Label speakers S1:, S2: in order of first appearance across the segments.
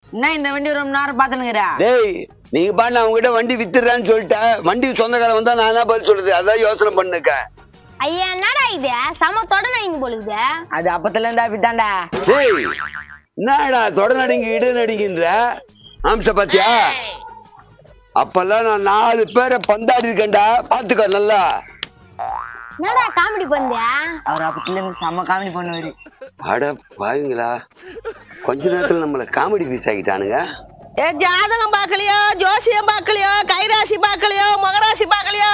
S1: என்ன இந்த வண்டி ரொம்ப நேரம் பாத்துனுங்கிற?
S2: டேய் நீங்க பாட்டு அவங்ககிட்ட வண்டி வித்துறான்னு சொல்லிட்டேன். வண்டி சொந்தக்காரன் வந்தா நான் தான் பதில் சொல்றது. அதான் யோசனை பண்ணுக்க.
S3: ஐயா என்னடா இது சம தொடநடிங்க போலுது.
S1: அது அப்பத்துல இருந்தா அப்படித்தான்டா.
S2: டேய் என்னடா தொடநடிங்க இடு நடிக்கின்ற ஆம்ச பாத்தியா? அப்பெல்லாம் நான் 4 பேரை பந்தாடி இருக்கேன்டா. பாத்துக்க நல்லா.
S3: என்னடா காமெடி பண்றியா?
S1: அவர் அப்பத்துல இருந்து செம்ம காமெடி பண்ணுவாரு.
S2: அட பாவீங்களா, கொஞ்ச நேரத்துல நம்மள காமெடி பீஸ் ஆகிட்டானுங்க.
S4: ஜாதகம் பாக்கலையோ, ஜோசியம் பாக்கலையோ, கைராசி பாக்கலையோ, மகராசி பாக்கலையோ?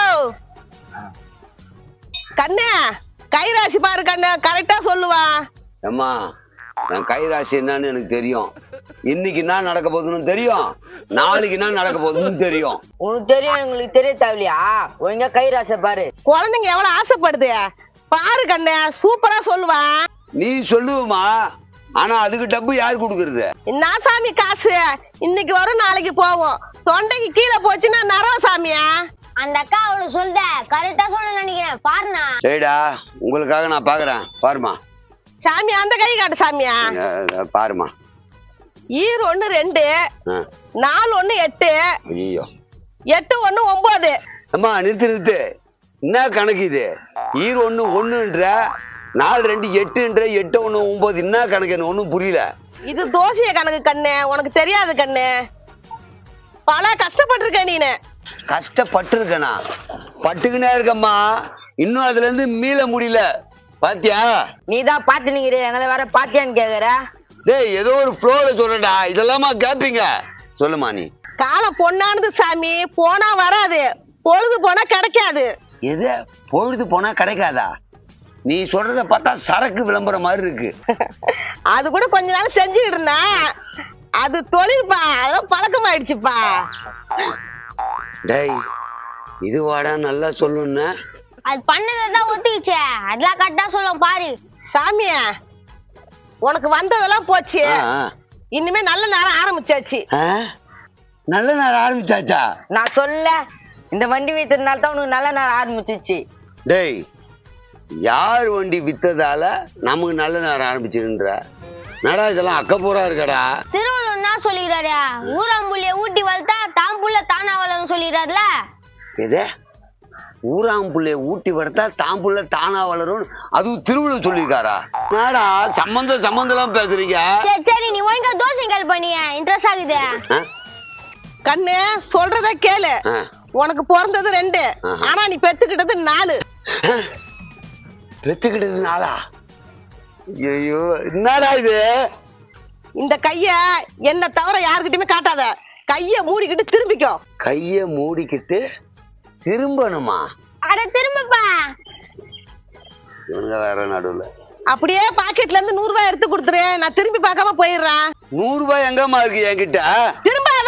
S4: கண்ணே கைராசி பாரு கண்ணு, கரெக்டா சொல்லுவான்.
S2: அம்மா என் கைராசி என்னன்னு எனக்கு தெரியும். இன்னைக்கு என்ன நடக்க போகுதுன்னு தெரியும், நாளைக்கு என்ன நடக்க போகுதுன்னு தெரியும்.
S1: உனக்கு தெரியும், உங்களுக்கு தெரிய தேவையா? ஒழுங்கா கைராசை பாரு.
S4: குழந்தைங்க எவ்வளவு ஆசைப்படுது பாரு கண்ணே, சூப்பரா சொல்லுவான்.
S2: நீ சொல்லுவமா, ஆனா அதுக்கு டப்பு யாரு கொடுக்கறது?
S4: என்ன சாமி காசு இன்னைக்கு வரும் நாளைக்கு போவோம். தொண்டைக்கு கீழே போச்சுன்னா நரவ சாமியா?
S3: அந்த அக்கா அவளு சொல்லுத கரெக்டா சொல்ல நினைக்கிறேன் பாருண்ணா.
S2: சரிடா, உங்களுக்காக நான் பாக்குறேன் பாருமா.
S4: சாமி அந்த கை காட்டு சாமியா.
S2: பாருமா.
S4: 1 2 4 1 8.
S2: ஐயோ
S4: 8 1 9.
S2: அம்மா நிறுத்து. என்ன கணக்கு இது? 1 1ன்ற 4 2 8ன்ற 8 1 9 என்ன கணக்கு? எனக்கு ஒன்னும் புரியல.
S4: இது தோசைய கணக்கு கண்ணு, உனக்கு தெரியாது கண்ணு. பல கஷ்டப்பட்டிருக்க நீனு.
S2: கஷ்டப்பட்டிருக்கனா? பட்டுக்கினே இருக்கம்மா, இன்னும் அதுல இருந்து மீள முடியல. பாத்தியா?
S1: நீதான் பாத்து நிக்கிற, எங்களை வேற பாத்தியான்னு கேக்குற.
S2: டேய் ஏதோ ஒரு ஃப்ளோல சொல்லடா, இதெல்லாமா கேப்பீங்க? சொல்லுமா நீ.
S4: காலம் பொண்ணானது சாமி, போனா வராது, பொழுது போனா கிடைக்காது.
S2: எது பொழுது போனா கிடைக்காதா? நீ சொல்றத பார்த்தா சரக்கு விளம்பரம் மாதிரி இருக்கு.
S4: அது கூட கொஞ்ச நாள் செஞ்சுக்கிட்டு இருந்தா, அது தொழில்பா, அதெல்லாம் பழக்கமாயிடுச்சுப்பா.
S2: டேய் இது வாடா நல்லா சொல்லுன்னு.
S3: அது பண்ணதான் ஒத்துக்கிச்சே, அதெல்லாம் கரெக்டா சொல்லும் பாரு.
S4: சாமியா உனக்கு வந்ததெல்லாம் போச்சு, இனிமே நல்ல நேரம் ஆரம்பிச்சாச்சு.
S2: நல்ல நேரம் ஆரம்பிச்சாச்சா?
S1: நான் சொல்ல, இந்த வண்டி வித்ததுனால தான் உனக்கு நல்ல நேரம் ஆரம்பிச்சிச்சு.
S2: டேய் யார் வண்டி வித்ததால நமக்கு நல்ல நேரம் ஆரம்பிச்சுன்ற நடா? இதெல்லாம் அக்கப்பூரா இருக்கடா.
S3: திருவள்ளுவர் என்ன சொல்லிடுறாரு? ஊராம்புள்ளிய ஊட்டி வளர்த்தா தாம்புள்ள தானா வளரும் சொல்லிடுறாருல.
S2: எது? ஊராம்புள்ளைய ஊட்டி வளர்த்தா தாம்புள்ள தானா வளரும், அதுவும் திருவள்ளுவர் சொல்லியிருக்காரா? நாடா சம்பந்தம் பேசுறீங்க.
S3: சரி நீ ஒழுங்கா தோசைகள் பண்ணிய இன்ட்ரெஸ்ட் ஆகுது.
S4: கண்ணு சொல்றத கேளு. உனக்கு பிறந்தது 2, ஆனா நீ பெத்துக்கிட்டது 4.
S2: பெத்துக்கிட்டது 4? ஐயோ என்னடா இது?
S4: இந்த கைய என்ன தவிர யாருக்கிட்டயுமே காட்டாத. கைய மூடிக்கிட்டு திரும்பிக்கோ.
S2: கைய மூடிக்கிட்டு திரும்பணுமா?
S3: அட திரும்பப்பா.
S2: இவங்க வேற நடுவுல.
S4: அப்படியே பாக்கெட்ல இருந்து 100 ரூபாய் எடுத்து கொடுத்துரு, நான் திரும்பி பார்க்காம போயிடுறேன்.
S2: 100 ரூபாய் எங்கம்மா இருக்கு என்கிட்ட?
S4: திரும்பாதா.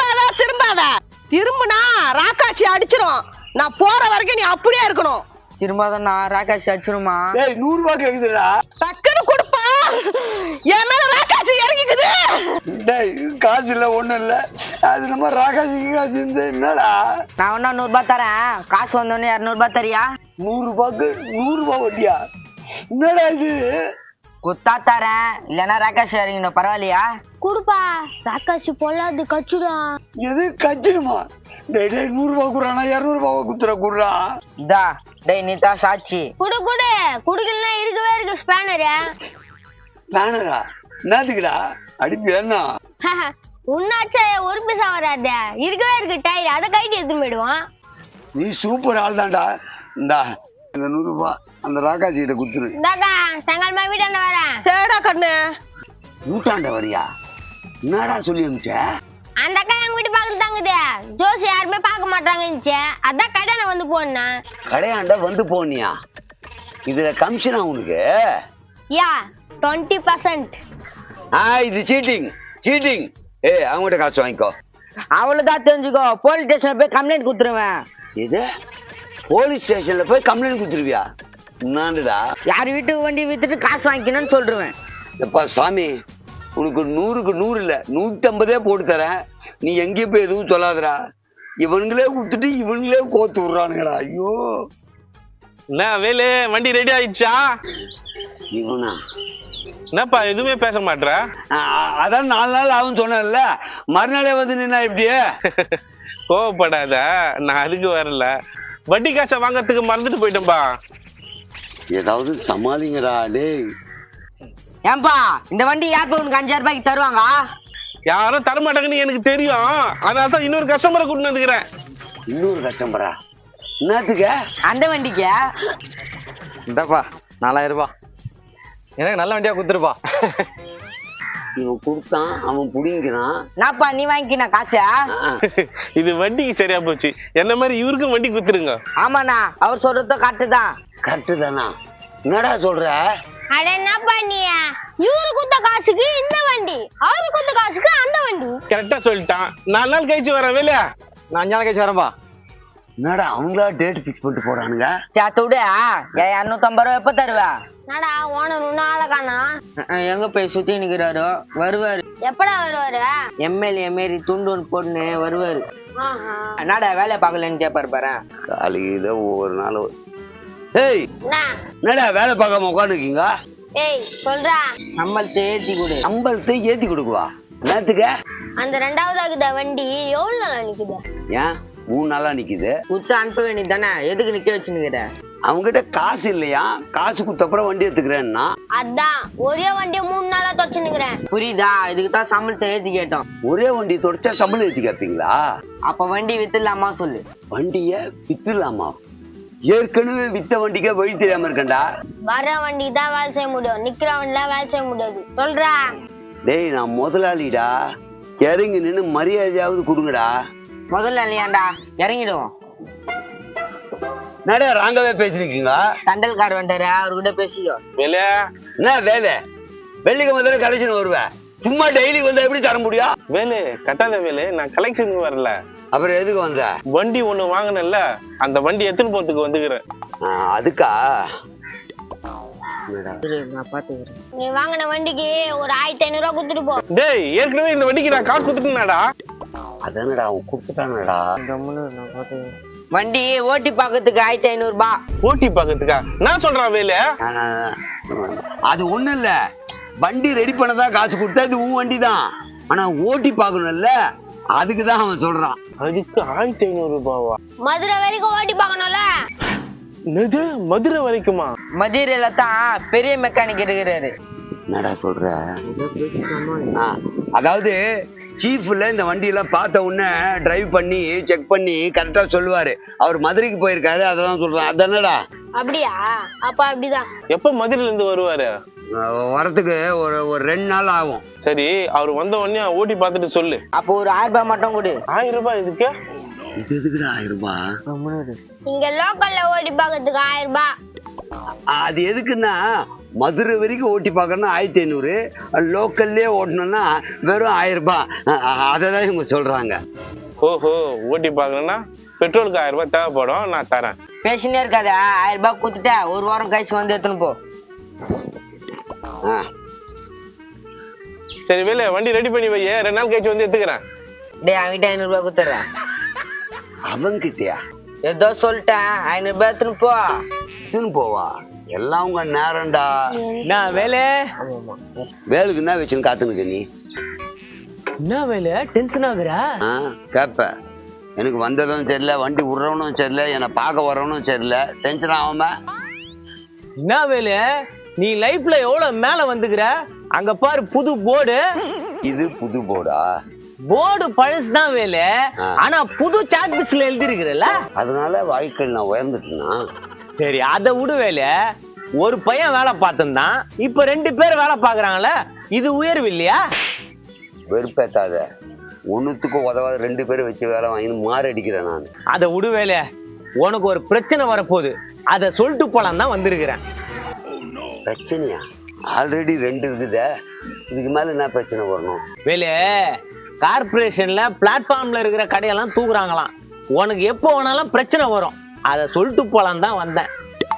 S4: திரும்பினா ராக்காச்சி அடிச்சிரும். நான் போற வரைக்கும் நீ அப்படியே இருக்கணும்.
S1: திரும்ப நான் ராகாஷ் அடிச்சிருமா?
S2: 100 ரூபாய் கேக்குதுடா.
S4: டக்குன்னு கொடுப்பா, என் மேல ராக்காச்சி இறங்கிக்குது.
S2: காசு இல்ல ஒண்ணும் இல்ல, அது நம்ம ராகாசி காசு என்னடா?
S1: நான் ஒன்னா 100 ரூபாய் தரேன், காசு வந்தோடனே 200 ரூபாய் தரியா?
S2: 100 ரூபாய்க்கு 100 ரூபாய் வட்டியா? என்னடா இது?
S1: குத்தா தரேன், இல்லன்னா ராகாஷ் இறங்கிடும். பரவாயில்லையா?
S3: குடுப்பா, ராக்காசி பொல்லாது கச்சுடா.
S2: எது கச்சிடுமா? 100 ரூபாய் குடுறானா 200 ரூபாய் குத்துற குடுறா.
S1: இதா டேய் நீ தான் சாட்சி.
S3: குடுக்கலன்னா இருக்கவே இருக்கு ஸ்பேனரு.
S2: ஸ்பேனரா? என்னதுக்குடா? அடிப்பு என்ன?
S3: உன்னாச்சே ஒரு பைசா வராது, இருக்கவே இருக்கு டயர், அதை கைட்டு எடுத்துன்னு போயிடுவான்.
S2: நீ சூப்பர் ஆள் தான்டா. இந்தா இந்த 100 ரூபாய் அந்த ராகாஜி கிட்ட குத்துரு.
S3: இந்தாக்கா செங்கல்மா வீட்டாண்ட வரேன்.
S4: சரிடா கண்ணு.
S2: வீட்டாண்ட வரியா? என்னடா சொல்லி அனுப்பிச்ச?
S3: அந்த அக்கா எங்க வீட்டு பக்கத்துல தாங்குது, ஜோசி யாருமே பார்க்க மாட்டாங்க. அதான் கடையில வந்து போனேன்.
S2: கடையாண்ட வந்து போனியா? இதுல கமிஷனா உனக்கு?
S3: யா 20%.
S2: இது சீட்டிங். அவங்ககிட்ட காசு வாங்கிக்கோ.
S1: அவ்வளவுதான் தெரிஞ்சுக்கோ, போலீஸ் ஸ்டேஷன்ல போய் கம்ப்ளைண்ட் கொடுத்துருவேன்.
S2: இது போலீஸ் ஸ்டேஷன்ல போய் கம்ப்ளைண்ட் கொடுத்துருவியா? என்னடா?
S1: யார் வீட்டுக்கு வண்டி வித்துட்டு காசு வாங்கிக்கணும்னு சொல்றேன்.
S2: எப்பா சாமி, உனக்கு 100க்கு 100 இல்ல 150 போட்டு தரேன். நீ எங்கேயும் போய் எதுவும் சொல்லாதடா. இவனுங்களே கொடுத்துட்டு இவனுங்களே கோத்து விடுறானுங்கடா. ஐயோ
S5: என்ன வேலு, வண்டி ரெடி ஆயிடுச்சா?
S2: இவனா
S5: என்னப்பா எதுவுமே பேச மாட்டேற?
S2: அதான் 4 நாள் ஆகும் சொன்னேன்ல, மறுநாளே வந்து நின்னா எப்படியே?
S5: கோவப்படாத, நான் அதுக்கு வரல. வட்டி காசை வாங்கறதுக்கு மறந்துட்டு போயிட்டேன்பா.
S2: ஏதாவது சமாளிங்கடா டேய்.
S1: ஏன்பா இந்த வண்டி யார் உனக்கு 5000 ரூபாய்க்கு தருவாங்க?
S5: யாரும் தரமாட்டாங்கன்னு எனக்கு தெரியும். அதனாலதான் இன்னொரு கஸ்டமரை கூட்டிட்டு வந்துக்கிறேன்.
S2: இன்னொரு கஸ்டமரா? என்னத்துக்கு?
S1: அந்த வண்டிக்கு
S6: இந்தாப்பா 4000 ரூபாய். எனக்கு நல்ல வண்டியா குடுத்துருப்பா.
S2: இவன் கொடுத்தான், அவன் புடிங்கிறான்.
S1: நாப்பா நீ வாங்கிக்கின காசு?
S5: இது வண்டிக்கு சரியா போச்சு. என்ன மாதிரி இவருக்கும் வண்டி குடுத்துருங்க.
S1: ஆமாண்ணா, அவர் சொல்றது கரெக்ட் தான்.
S2: கரெக்டு தானா? என்னடா சொல்ற?
S3: அட என்ன பண்ணிய? இவரு குத்த காசுக்கு இந்த வண்டி, அவரு குத்த காசுக்கு அந்த வண்டி.
S5: கரெக்டா சொல்லிட்டான். 4 நாள் கழிச்சு வரேன் வேலையா.
S6: நான் 5 நாள் கழிச்சு வரேன்பா.
S2: என்னடா அவங்களா டேட் பிக்ஸ் பண்ணிட்டு போறானுங்க?
S1: சேத்து விடு. 250 ரூபா எப்ப தருவா?
S3: நடா ஓனர் ஒன்னும் ஆள காணா.
S1: எங்க போய் சுத்தி நிக்கிறாரோ? வருவாரு.
S3: எப்படா வருவாரு?
S1: எம்எல்ஏ மாரி துண்டு ஒன்று போட்டுன்னு வருவாரு.
S3: ஆஹா.
S1: என்னடா வேலை பார்க்கலன்னு கேட்பாரு பாரு.
S2: காலையில ஒவ்வொரு நாள். ஏய்
S3: என்ன?
S2: என்னடா வேலை பார்க்காம உட்காந்துருக்கீங்க?
S3: ஏய் சொல்றா.
S1: சம்பளத்தை ஏத்தி கொடு.
S2: சம்பளத்தை ஏத்தி கொடுக்குவா? என்னத்துக்கு?
S3: அந்த 2வது ஆகுத வண்டி எவ்வளவு நாளா நிக்குது?
S2: ஏன் 3 நாளா நிக்குது?
S1: குத்து அனுப்ப வேண்டியது தானே, எதுக்கு நிக்க வச்சுன்னுக்கிற?
S2: அவங்ககிட்ட காசு இல்லையா? காசு கொடுத்தப்புறம் வண்டி எடுத்துக்கிறேன்னா?
S3: அதான் ஒரே வண்டியை 3 நாளா தொச்சுனுக்குறேன்.
S1: புரியுதா? இதுக்கு தான் சம்பளத்தை ஏத்தி கேட்டோம்.
S2: ஒரே வண்டி தொடச்சா சம்பளம் ஏத்தி கேட்பீங்களா?
S1: அப்ப வண்டி வித்துலாமா சொல்லு.
S2: வண்டிய வித்துலாமா? ஏற்கனவே வித்த வண்டிக்கே வழி தெரியாம இருக்கண்டா.
S3: வர வண்டி தான் வேலை செய்ய முடியும், நிக்கிற வண்டில வேலை செய்ய முடியாது. சொல்றா.
S2: டேய் நான் முதலாளிடா, இறங்கி நின்னு மரியாதையாவது கொடுங்கடா.
S1: முதல்ல இல்லையாண்டா, இறங்கிடுவோம்.
S2: நிறைய ராங்கவே பேசிருக்கீங்க.
S1: தண்டல்கார் வந்தாரு, அவர்கிட்ட பேசிக்கோ.
S5: வேலையா
S2: என்ன வேலை? வெள்ளிக்கு முதல்ல கலெக்ஷன் வருவேன், சும்மா டெய்லி வந்தா எப்படி தர முடியும்?
S5: வேலை கட்டாத வேலை. நான் கலெக்ஷனுக்கு வரல.
S2: அப்புறம் எதுக்கு வந்த?
S5: வண்டி ஒண்ணு வாங்கினல, அந்த வண்டி எடுத்துட்டு போறதுக்கு வந்துக்கிறேன்.
S2: அதுக்கா?
S1: நான் பாத்துக்கிறேன்.
S3: நீ வாங்கின வண்டிக்கு ஒரு 1500 ரூபாய் கொடுத்துட்டு போ.
S5: டேய் ஏற்கனவே இந்த வண்டிக்கு நான் காசு கொடுத்துட்டேனாடா.
S2: அதானடா அவன் கொடுத்துட்டானடா.
S1: வண்டி ஓட்டி பாக்கிறதுக்கு 1500 ரூபாய்.
S5: ஓட்டி பாக்கிறதுக்கா? நான் சொல்றேன் வேலை.
S2: அது ஒண்ணு இல்ல, வண்டி ரெடி பண்ணதான் காசு கொடுத்தா இது உன் வண்டி தான். ஆனா ஓட்டி பாக்கணும்ல, அதுக்குதான் அவன் சொல்றான்.
S5: அதுக்கு 1500 ரூபாவா?
S3: மதுரை வரைக்கும் ஓட்டி பார்க்கணும்ல.
S5: என்னது மதுரை வரைக்குமா?
S1: மதுரையில தான் பெரிய மெக்கானிக் இருக்கிறாரு.
S2: என்னடா சொல்ற? அதாவது சீஃப்ல இந்த வண்டி எல்லாம் பார்த்த உடனே டிரைவ் பண்ணி செக் பண்ணி கரெக்டா சொல்லுவாரு. அவர் மதுரைக்கு போயிருக்காரு, அதான் சொல்றான். அதானடா?
S3: அப்படியா? அப்ப அப்படிதான்.
S5: எப்ப மதுரையில இருந்து வருவாரு?
S2: வரத்துக்கு ஒரு 2 நாள் ஆகும்.
S5: சரி, அவர் வந்த உடனே ஓட்டி பார்த்துட்டு சொல்லு.
S1: அப்போ ஒரு 1000 ரூபாய் மட்டும் கொடு.
S5: 1000 ரூபாய் இதுக்கு?
S2: இது எதுக்குடா 1000 ரூபாய்?
S3: இங்க லோக்கல்ல ஓட்டி பார்க்கறதுக்கு 1000 ரூபாய்.
S2: அது எதுக்குன்னா, மதுரை வரைக்கும் ஓட்டி பார்க்கணும்னா 1500, லோக்கல்லே ஓட்டணும்னா வெறும் 1000 ரூபாய். அததான் இவங்க சொல்றாங்க.
S5: ஓஹோ, ஓட்டி பார்க்கணும்னா பெட்ரோலுக்கு 1000 ரூபாய் தேவைப்படும். நான் தரேன்.
S1: பேசினே இருக்காத. 1000 ரூபாய் கொடுத்துட்ட, ஒரு வாரம் கழிச்சு வந்து எடுத்துன்னு போ.
S5: சரி வேலை, வண்டி ரெடி பண்ணி வை. 2 நாள் கழிச்சு வந்து எடுத்துக்கிறேன்.
S1: டேய் அவன்கிட்ட 500 ரூபாய் கொடுத்துறேன்.
S2: அவங்கிட்டயா?
S1: ஏதோ சொல்லிட்டேன், 500 ரூபாய் எடுத்துன்னு போ.
S2: எடுத்துன்னு போவா? எல்லாம் உங்க நேரம்டா.
S6: நான் வேலை
S2: வேலுக்கு என்ன வச்சுன்னு காத்துனுக்க நீ?
S6: என்ன வேலை? டென்ஷன் ஆகுறா?
S2: கேப்ப. எனக்கு வந்ததும் தெரியல, வண்டி விடுறவனும் தெரியல, என்னை பார்க்க வரவனும் தெரியல, டென்ஷன் ஆகாம.
S6: என்ன வேலை? நீ லைஃப்ல எவ்வளவு மேல வந்துக்கிற? அங்க பாரு புது போர்டு.
S2: இது புது போர்டா?
S6: போர்டு பழசுதான் வேலை, ஆனா புது சாக் பீஸ்ல எழுதி இருக்கிறல்ல,
S2: அதனால வாழ்க்கையில் நான் உயர்ந்துட்டேன்னா.
S6: சரி அதை விடு வேலை. ஒரு பையன் வேலை பார்த்துதான், இப்ப 2 பேர் வேலை பாக்குறாங்கல்ல, இது உயர்வு இல்லையா?
S2: வெறுப்பேத்தாத. ஒண்ணுத்துக்கும் உதவாத 2 பேரை வச்சு வேலை வாங்கி மாறடிக்கிறேன் நான்.
S6: அதை விடு வேலை. உனக்கு ஒரு பிரச்சனை வரப்போகுது, அதை சொல்லிட்டு போலாம் தான் வந்திருக்கிறேன்.
S2: பிரச்சனையா? ஆல்ரெடி 2 இருக்குதே, இதுக்கு மேல என்ன பிரச்சனை வரணும்?
S6: வேலை, கார்பரேஷன்ல பிளாட்ஃபார்ம்ல இருக்கிற கடையெல்லாம் தூக்குறாங்களாம். உனக்கு எப்போ வேணாலும் பிரச்சனை வரும், அதை சொல்லிட்டு போலாம் தான் வந்தேன்.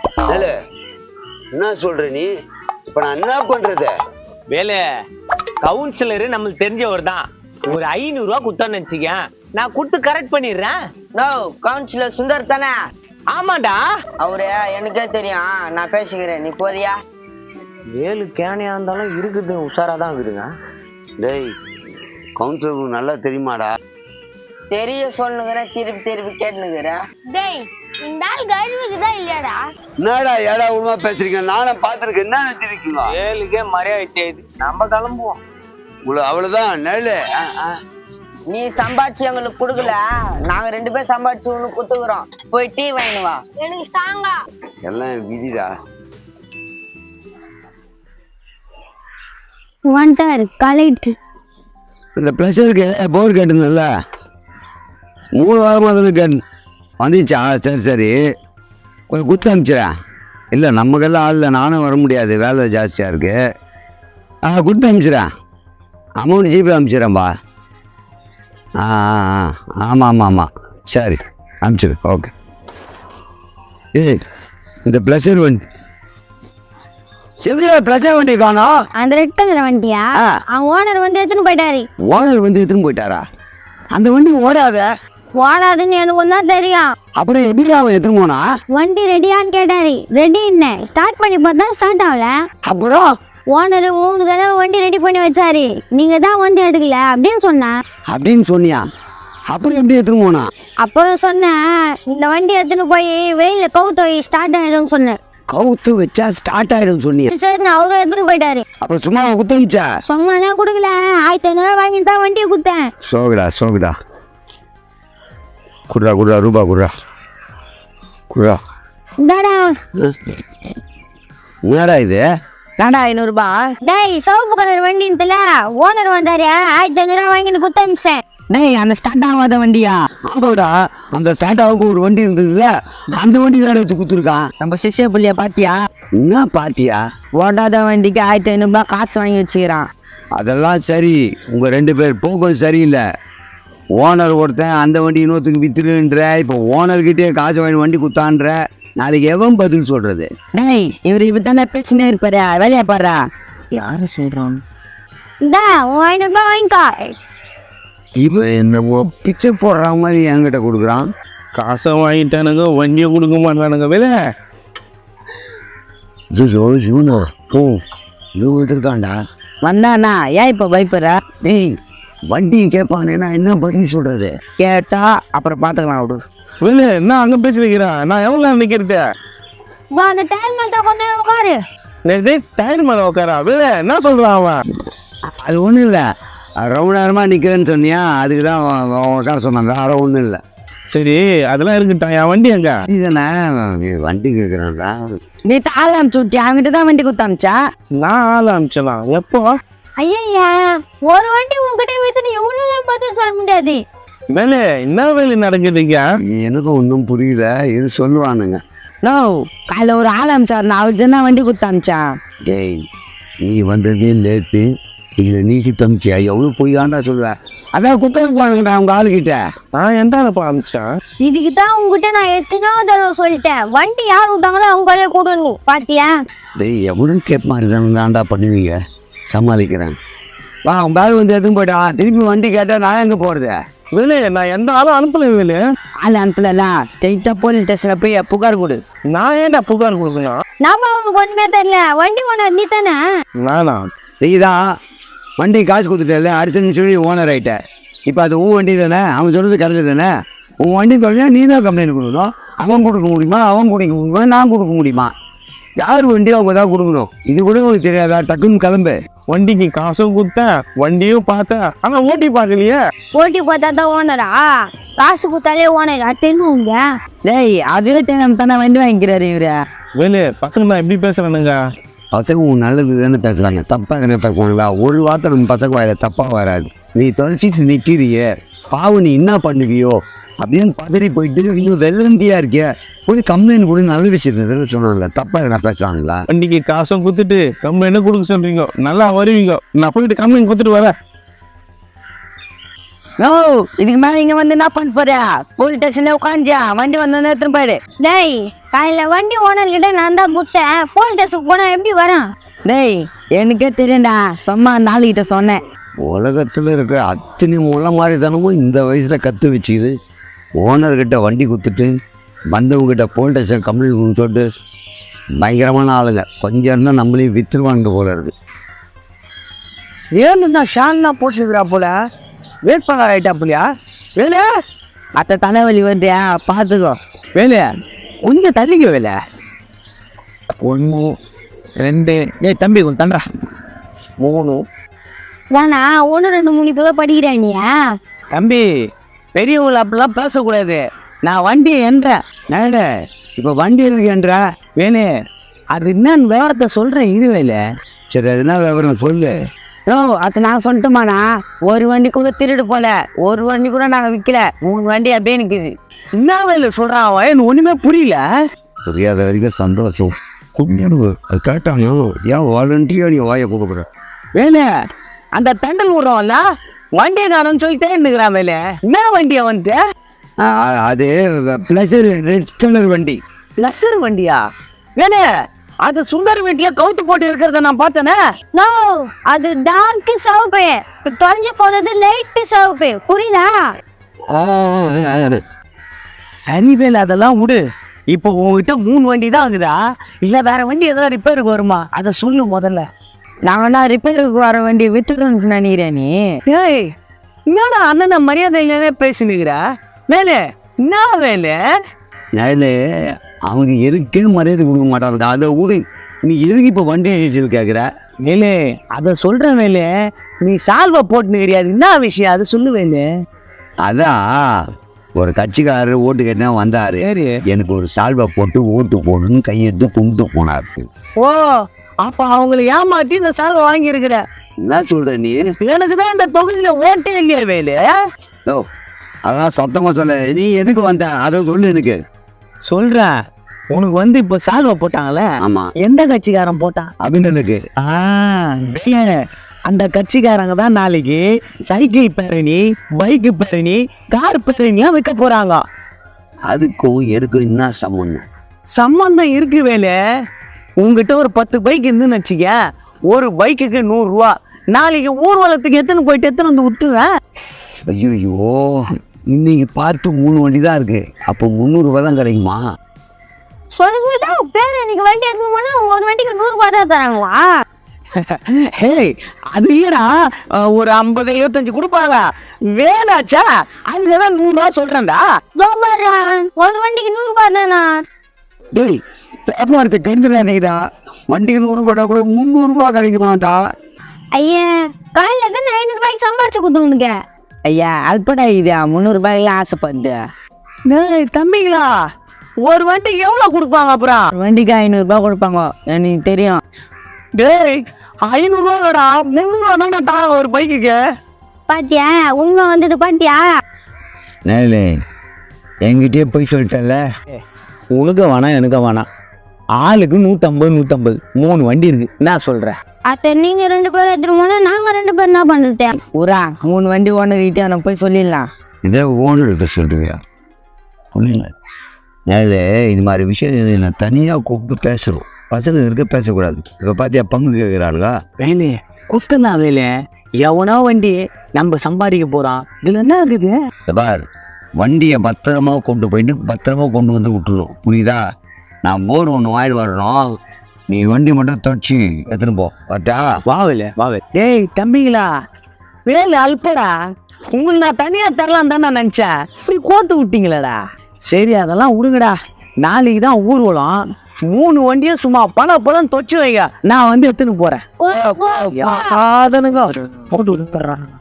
S2: என்ன சொல்ற நீ? இப்ப நான் என்ன பண்றது?
S6: வேலை, கவுன்சிலரு நம்மளுக்கு தெரிஞ்சவர் தான். ஒரு 500 ரூபாய் கொடுத்தான்னு வச்சுக்க, நான் கொடுத்து கரெக்ட் பண்ணிடுறேன்.
S1: நோ, கவுன்சிலர் சுந்தர் தானே?
S6: ஆமாண்டா.
S1: அவரு எனக்கே தெரியும், நான் பேசிக்கிறேன், நீ போறியா?
S6: ஏழு கேனையா இருந்தாலும் இருக்குது, உஷாரா தான் இருக்குதுங்க.
S2: டேய் கவுன்சிலருக்கு நல்லா தெரியுமாடா?
S1: தெரிய சொல்லுங்கிறேன், திருப்பி திருப்பி கேட்டுனுக்குறேன்.
S3: டேய் இந்த ஆள் கழுவுக்குதான் இல்லையாடா?
S2: என்னடா ஏடா உண்மை பேசுறீங்க? நானும் பார்த்துருக்கேன். என்ன நினைச்சிருக்கீங்க?
S6: ஏழுக்கே மரியாதை செய்யுது. நம்ம கிளம்புவோம்.
S2: அவ்வளவுதான் நெல்லு.
S1: நீ சம்பாதிச்சு எங்களுக்கு கொடுக்கல, நாங்க 2 பேரும் சம்பாதிச்சு ஒண்ணு குத்துக்குறோம். போய் டீ வாங்கினு வா.
S3: எனக்கு ஸ்ட்ராங்கா
S2: எல்லாம் விதிடா.
S3: வந்துட்டாரு கலெக்டர்.
S2: இந்த ப்ளஷருக்கு போர் கேட்டுருந்தல 3 வாரமாக தானே கேட்டு வந்துச்சா? சரி சரி, கொஞ்சம் குத்து அனுப்பிச்சிடேன். இல்லை நமக்கெல்லாம் ஆள் இல்லை, நானும் வர முடியாது, வேலை ஜாஸ்தியாக இருக்குது. குத்து அனுப்பிச்சிடேன். Amount GPay அனுப்பிச்சிடேன்பா. ஆமாம் ஆமாம் ஆமாம், சரி அனுப்பிச்சிடு. ஓகே. ஏய் இந்த ப்ளஷர் வண்டி செல்வியா, ப்ளஷர் வண்டி காணோம்.
S3: அந்த ரெட் கலர் வண்டியா? அவன் ஓனர் வந்து எடுத்துன்னு போயிட்டாரு.
S2: ஓனர் வந்து எடுத்துன்னு போயிட்டாரா? அந்த வண்டி ஓடாத.
S3: ஓடாதுன்னு எனக்கு தான் தெரியும்.
S2: அப்புறம் எப்படி அவன் எடுத்துன்னு போனா?
S3: வண்டி ரெடியான்னு கேட்டாரு. ரெடி என்ன ஸ்டார்ட் பண்ணி பார்த்தா ஸ்டார்ட் ஆகல.
S2: அப்புறம்
S3: ஓனர் 3 தடவை வண்டி ரெடி பண்ணி வச்சாரு. நீங்க தான் வந்து எடுக்கல அப்படின்னு சொன்னேன்.
S2: அப்படின்னு சொன்னியா? அப்புறம் எப்படி எடுத்துன்னு போனா?
S3: அப்புறம் சொன்னேன், இந்த வண்டி எடுத்துன்னு போய் வெயில கவுத்து வை, ஸ்டார்ட் ஆயிடும் சொன்னேன்.
S2: கவுத்து வச்சா ஸ்டார்ட் ஆயிடும் சொன்னியா?
S3: சரி அவரும் எடுத்துன்னு போயிட்டாரு.
S2: அப்புறம் சும்மா குத்தமிச்சா?
S3: சும்மாலாம் கொடுக்கல, 1500 வாங்கி தான் வண்டியை கொடுத்தேன்.
S2: சோகுடா சோகுடா, குடுறா குடுறா, ரூபா குடுறா குடுறா.
S3: இந்தாடா.
S2: என்னடா இது?
S1: நாடா 500 ரூபாய்.
S3: டேய் சிவப்பு கலர் வண்டின்ட்டுல ஓனர் வந்தாரு, 1500 வாங்கிட்டு குத்தமிச்சேன்.
S1: டேய் அந்த ஸ்டார்ட் ஆகாத வண்டியா?
S2: ஆமாடா, அந்த ஸ்டாண்டாவுக்கு ஒரு வண்டி இருந்ததுல, அந்த வண்டி தான் எடுத்து குத்துருக்கான்.
S1: நம்ம சிஷ்ய புள்ளிய பாத்தியா?
S2: என்ன பாத்தியா?
S1: ஓடாத வண்டிக்கு 1500 ரூபாய் காசு வாங்கி வச்சுக்கிறான்.
S2: அதெல்லாம் சரி, உங்க 2 பேர் போக்கும் சரியில்லை. ஓனர் ஒருத்தன் அந்த வண்டி இன்னொருத்துக்கு வித்துருன்ற, இப்போ ஓனர்கிட்டே காசு வாங்கி வண்டி குத்தான்ற, நாளைக்கு எவன் பதில் சொல்றது?
S1: டேய் இவரு இப்பதானே பேசினே இருப்பாரு, வேலையா பாரு. யாரு சொல்றான்?
S3: இந்தா 500 ரூபாய் வாங்கிக்கோ.
S2: இவன் என்னமோ பிச்சை போடுற மாதிரி என்கிட்ட கொடுக்குறான்.
S5: காசை வாங்கிட்டானுங்க, வண்டியை கொடுக்க மாட்டானுங்க. வேலை
S2: இவனோ இவன் இருக்கான்டா.
S1: வந்தானா ஏன் இப்ப பயப்படுற?
S2: டேய் வண்டி கேட்பானேன்னா என்ன பதில் சொல்றது?
S1: கேட்டா அப்புறம் பாத்துக்கலாம் விடு.
S5: வேலை என்ன அங்க பேசி வைக்கிறான்? நான் எவ்வளவு நேரம் நிக்கிறது?
S3: அந்த டைம் மட்டும் கொஞ்ச நேரம் உட்காரு.
S5: டயர் மேல உட்காரா? வேலை என்ன சொல்றான் அவன்?
S2: அது ஒன்றும் இல்லை, ரொம்ப நேரமாக நிற்கிறேன்னு சொன்னியா, அதுக்கு தான் உட்கார சொன்னாங்க, வேற ஒன்றும் இல்லை.
S5: சரி அதெல்லாம் இருக்கட்டும், என் வண்டி எங்க?
S2: இதுதானே வண்டி கேட்குறான்டா.
S1: நீ தாள் அனுப்பிச்சு விட்டியா? அவங்கிட்ட தான் வண்டி குத்தாமிச்சா?
S5: நான் ஆள் அனுப்பிச்சலாம். எப்போ?
S3: ஐயா ஒரு வண்டி உங்ககிட்ட வித்துட்டு எவ்வளவு பதில் சொல்ல முடியாது.
S5: வேலை என்ன வேலை நடக்குதுங்க?
S2: எனக்கும் ஒன்றும் புரியல, இது சொல்லுவானுங்க.
S1: நோ காலைல ஒரு ஆள் அனுப்பிச்சாரு, நான் அவருக்கு தான் வண்டி குத்தாமிச்சான்.
S2: டேய் நீ வந்ததே லேட்டு, இதில் நீ கிட்ட அனுப்பிச்சியா? எவ்வளோ போய் தாண்டா சொல்லுவேன். அதான் குத்தம் போனாங்கடா அவங்க ஆளுகிட்ட.
S5: நான் எந்த ஆளப்பா அனுப்பிச்சேன்?
S3: இதுக்கு தான் உங்ககிட்ட நான் எத்தனையோ தடவை சொல்லிட்டேன், வண்டி யார் விட்டாங்களோ அவங்களே கொடுங்க. பாத்தியா?
S2: டேய் எவ்வளோ கேப் மாதிரி தான்டா பண்ணுவீங்க, சமாளிக்கிறேன். வா உன் பேக் வந்து எதுவும் போயிட்டான், திருப்பி வண்டி கேட்டால் நான் எங்கே போகிறது?
S5: வேலை நான் எந்த ஆளும் அனுப்பல. வேலை
S1: ஆள் அனுப்பலாம், ஸ்ட்ரெயிட்டா போலீஸ் ஸ்டேஷன்ல போய் புகார் கொடு.
S5: நான் ஏன்டா புகார் கொடுக்கணும்?
S3: நாம அவனுக்கு ஒண்ணுமே தெரியல, வண்டி ஓனர் நீ தானே?
S5: நானா?
S2: நீ தான் வண்டி காசு கொடுத்துட்டல, அடுத்த நிமிஷம் நீ ஓனர் ஆகிட்ட. இப்போ அது உன் வண்டி தானே, அவன் சொல்கிறது கரெக்டு தானே? உன் வண்டி தொலைஞ்சா நீ தான் கம்ப்ளைண்ட் கொடுக்கணும். அவன் கொடுக்க முடியுமா, அவன் கொடுக்க முடியுமா, நான் கொடுக்க முடியுமா? யார் வண்டியோ அவங்க தான் கொடுக்கணும். இது கூட உங்களுக்கு தெரியாதா? டக்குன்னு கிளம்பு.
S5: வண்டிக்கு காசும் கொடுத்தேன், வண்டியும் பார்த்தேன், ஆனா ஓட்டி பார்க்கலையே.
S3: ஓட்டி பார்த்தா தான் ஓனரா? காசு கொடுத்தாலே ஓனர் தெரியுங்க.
S1: டேய் அதுவே தெரியாம தானே வண்டி வாங்கிக்கிறாரு இவரு.
S5: வேலை பசங்க நான் எப்படி பேசுறேனுங்க?
S2: பசங்க உன் நல்லது தானே பேசுகிறாங்க, தப்பாக தானே பேசுவாங்களா? ஒரு வார்த்தை நம்ம பசங்க வாயில தப்பாக வராது. நீ தொலைச்சிட்டு நிற்கிறியே, பாவம் நீ என்ன பண்ணுவியோ அப்படின்னு பதறி போயிட்டு இன்னும் வெள்ளந்தியா இருக்கிய, போய் கம்ப்ளைண்ட் கூட நல்ல விஷயம் சொன்னாங்களா? தப்பாக எதனா பேசுகிறாங்களா?
S5: வண்டிக்கு காசும் கொடுத்துட்டு கம்ப்ளைண்ட் கொடுக்க சொல்றீங்க, நல்லா வருவீங்க. நான் போயிட்டு கம்ப்ளைண்ட் கொடுத்துட்டு வரேன்.
S1: நோ இதுக்கு மேல இங்க வந்து என்ன பண்ண போற? போலீஸ் ஸ்டேஷன்ல உட்காந்துயா, வண்டி வந்தோன்னு எடுத்துன்னு போயிடு.
S3: டேய் காலையில வண்டி ஓனர் கிட்ட நான் தான் கொடுத்தேன், போலீஸ் ஸ்டேஷனுக்கு போனா எப்படி வரான்?
S1: டேய் எனக்கே தெரியும்டா, சும்மா அந்த ஆளுகிட்ட சொன்னேன்.
S2: உலகத்தில் இருக்கிற அத்தனை முளை மாதிரி தானமும் இந்த வயசில் கற்று வச்சுக்குது. ஓனர்கிட்ட வண்டி கொடுத்துட்டு வந்தவங்ககிட்ட போலீஸ் ஸ்டேஷன் கம்ப்ளைண்ட் சொல்லிட்டு பயங்கரமான ஆளுங்க. கொஞ்சம் இருந்தால் நம்மளையும் வித்துருவாங்க போல இருக்கு.
S7: ஏன்னு ஷால்லாம் போட்டுருக்குறா போல, வேட்பாளர் ஆயிட்டா போலியா? வேலை அத்த தலைவலி வருதியா, பார்த்துக்கோ. வேலை கொஞ்சம் தள்ளிக்க. வேலை 1 2 ஏய் தம்பி கொஞ்சம் தண்டா 3.
S3: வேணா 1 2 3 இப்போ படிக்கிறேன் நீ.
S7: தம்பி பெரியவங்களை அப்படிலாம் பேசக்கூடாது. நான் வண்டியை என்றேன். நேர இப்போ வண்டி இருக்குன்ற வேணு, அது என்னன்னு விவரத்தை சொல்கிறேன். இது வேலை
S2: சரி, அது என்ன விவரம் சொல்லு.
S7: ஓ அது நான் சொல்லட்டுமாண்ணா, ஒரு வண்டி கூட திருடு போல, ஒரு வண்டி கூட நாங்கள் விற்கல, 3 வண்டி அப்படியே நிற்குது. என்ன வேலை சொல்கிறான் அவன்? எனக்கு ஒன்றுமே புரியல.
S2: புரியாத வரைக்கும் சந்தோஷம். கும்பிடு அது கேட்டாங்க. ஏன் வாலண்டியாக நீ வாயை கொடுக்குற?
S7: வேலை அந்த தண்டல் விடுறோம்ல, வண்டியை காணும்னு சொல்லிட்டே இருந்துக்கிறான். வேலை என்ன வண்டியை வந்து?
S2: அது ப்ளஸர் ரெட் கலர் வண்டி.
S7: லஸ்ஸர் வண்டியா? வேலை அது சுந்தர் வண்டியா கவுத்து போட்டு இருக்கிறத நான் பார்த்தேனே.
S3: நோ, அது டார்க் சிவப்பு, தொலைஞ்சு போனது லைட் சிவப்பு. புரியுதா?
S7: சரி வேலை அதெல்லாம் விடு. இப்போ உங்ககிட்ட 3 வண்டி தான் இருக்குதா, இல்லை வேற வண்டி எதாவது ரிப்பேருக்கு வருமா? அதை சொல்லு முதல்ல.
S1: நாங்கள்னா ரிப்பேருக்கு வர வண்டி வித்துடுன்னு நினைக்கிறேன் நீ.
S7: ஏய் என்னடா அண்ணனை மரியாதையிலே பேசினுக்கிற? வேலை என்ன வேலை?
S2: நேரில் அவங்க எதுக்கே மரியாதை கொடுக்க மாட்டாங்க. அதை விடு. நீ எதுக்கு இப்போ வண்டி நிறுத்தி கேட்குற?
S7: வேலை அதை சொல்ற வேலை, நீ சால்வை போட்டுனுக்கிறியா? அது என்ன விஷயம் அதை சொல்லு வேலை.
S2: அதான் ஒரு கட்சிக்காரர் ஓட்டு கேட்டா வந்தாரு.
S7: சரி,
S2: எனக்கு ஒரு சால்வை போட்டு ஓட்டு போடணும்னு கையெடுத்து கும்பிட்டு போனார்.
S7: ஓ அப்ப அவங்களை ஏமாத்தி இந்த சால்வை வாங்கி இருக்கிற.
S2: என்ன சொல்ற நீ?
S7: எனக்கு தான் இந்த தொகுதியில ஓட்டே இல்லையா வேலை?
S2: ஓ அதான் சத்தமா சொல்ல. நீ எதுக்கு வந்த அதை சொல்லு எனக்கு.
S7: சொல்றேன். உனக்கு வந்து இப்ப சால்வை போட்டாங்களே,
S2: ஆமா,
S7: எந்த கட்சிக்காரன் போட்டான்?
S2: அபிநனுக்கு.
S7: வேலை அந்த கட்சிக்காரங்க தான் நாளைக்கு சைக்கிள் பேரணி, பைக்கு பேரணி, கார் பேரணியா வைக்க போறாங்க.
S2: அதுக்கும் எனக்கு என்ன சம்பந்தம்?
S7: சம்பந்தம் இருக்கு வேலை. உங்ககிட்ட ஒரு 10 பைக் இருந்துன்னு வச்சுக்க, ஒரு பைக்குக்கு 100 ரூபா. நாளைக்கு ஊர்வலத்துக்கு எத்தனை போயிட்டு எத்தனை வந்து விட்டுவேன்.
S2: ஐயோ, இன்னைக்கு பார்த்து 3 வண்டி தான் இருக்கு. அப்போ 300 ரூபாய் தான் கிடைக்குமா?
S3: சொல்லிட்டா பேர் எனக்கு வண்டி எடுத்து போனா ஒரு வண்டிக்கு 100 ரூபாய் தான் தராங்களா?
S7: ஹேய் அது இல்லடா, ஒரு 50 25 கொடுப்பாங்க. வேலாச்சா அதுதான் 100 ரூபா சொல்றேன்டா.
S3: ஒரு வண்டிக்கு 100 ரூபாய் தானா?
S2: டேய் வியாபாரத்தை கெடுத்துடா. வண்டிக்கு 100 ரூபா கூட 300 ரூபாய் கிடைக்குமாட்டா?
S3: ஐயா காலையில தான் 500 ரூபாய்க்கு சம்பாரிச்சு கொடுத்து உனக்கு.
S1: ஐயா அல்படா இது 300 ரூபாய்க்கு ஆசைப்படுது.
S7: டேய் தம்பிங்களா, ஒரு வண்டிக்கு எவ்வளவு கொடுப்பாங்க? அப்புறம்
S1: வண்டிக்கு 500 ரூபாய் கொடுப்பாங்க, எனக்கு தெரியும்.
S7: டேய் 500 ரூபாடா, 300 ரூபா தான் தாங்க ஒரு பைக்குக்கு.
S3: பாத்தியா உண்மை வந்தது பாத்தியா?
S2: நேரில் என்கிட்டயே போய் சொல்லிட்டல.
S7: உனக்கு வேணாம் எனக்கு வேணாம், ஆளுக்கு 150 150 3 வண்டி இருக்கு. நான் சொல்றேன்.
S3: அத்த நீங்க 2 பேரும் எடுத்துட்டு போனா நாங்க 2 பேரும் என்ன பண்றது?
S1: ஊரா 3 வண்டி ஓனர்கிட்ட நம்ம போய் சொல்லிடலாம்.
S2: இதே ஓனர்கிட்ட சொல்லுவியா? ஒன்றும் நேரில் இது மாதிரி விஷயம் நான் தனியாக கூப்பிட்டு பேசுகிறோம். பசங்க இருக்க பேசக்கூடாது. இப்போ பார்த்தியா பங்கு கேட்குறாளுங்க.
S7: வேலை குத்தனா வேலை, எவனோ வண்டி நம்ம சம்பாதிக்க போறான். இதுல என்ன இருக்குது?
S2: பார், வண்டியை பத்திரமா கொண்டு போயிட்டு பத்திரமா கொண்டு வந்து விட்டுருவோம். புரியுதா? நான் போர் ஒன்று வாங்கிட்டு வரணும். நீ வண்டி மட்டும் தொடச்சி எடுத்துன்னு போ. வரட்டா?
S7: வாவல வாவல். டேய் தம்பிங்களா, வேலை அல்படா. உங்களுக்கு நான் தனியா தரலாம் தான் நான் நினைச்சேன். இப்படி கோத்து விட்டீங்களடா. சரி அதெல்லாம் விடுங்கடா. நாளைக்கு தான் ஊர்வலம். 3 வண்டியும் சும்மா பணம் தொச்சு வைங்க. நான் வந்து எடுத்துன்னு போறேன்.
S3: ஓ, ஓ, ஓ.
S7: யாதனுங்க போட்டு விட்டுறாங்க.